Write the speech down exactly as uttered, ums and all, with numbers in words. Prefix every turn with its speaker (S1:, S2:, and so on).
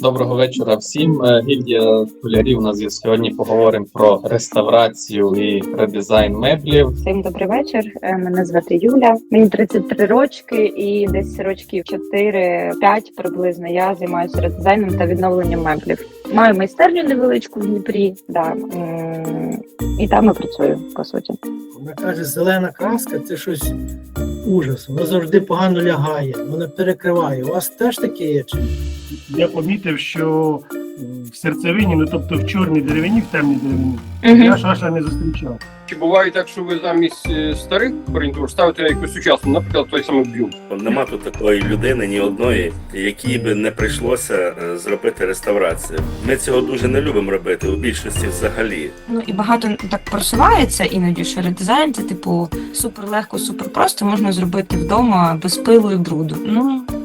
S1: Доброго вечора всім. Е, Гільдія столярів. У нас є сьогодні поговоримо про реставрацію і редизайн меблів.
S2: Всім добрий вечір. Е, Мене звати Юля. Мені тридцять три рочки і десь років чотири-п'ять приблизно я займаюся редизайном та відновленням меблів. Маю майстерню невеличку в Дніпрі, да. м, і там я працюю, по суті.
S3: Вона каже, зелена краска це щось ужас. Вона завжди погано лягає, вона перекриває. У вас теж таке є? Чи?
S4: Я помітив, що в серцевині, ну тобто в чорній деревині, в темній деревині,
S2: Мгм.
S4: я шаша не зустрічав.
S5: Чи буває так, що ви замість е, старих гарнітур ставите якусь сучасну, наприклад, той самий б'юм?
S6: Нема тут такої людини, ні одної, якій би не прийшлося е, зробити реставрацію. Ми цього дуже не любимо робити, у більшості взагалі.
S7: Ну і багато так просувається іноді, що редизайн це типу супер легко, супер просто можна зробити вдома без пилу і бруду. Ну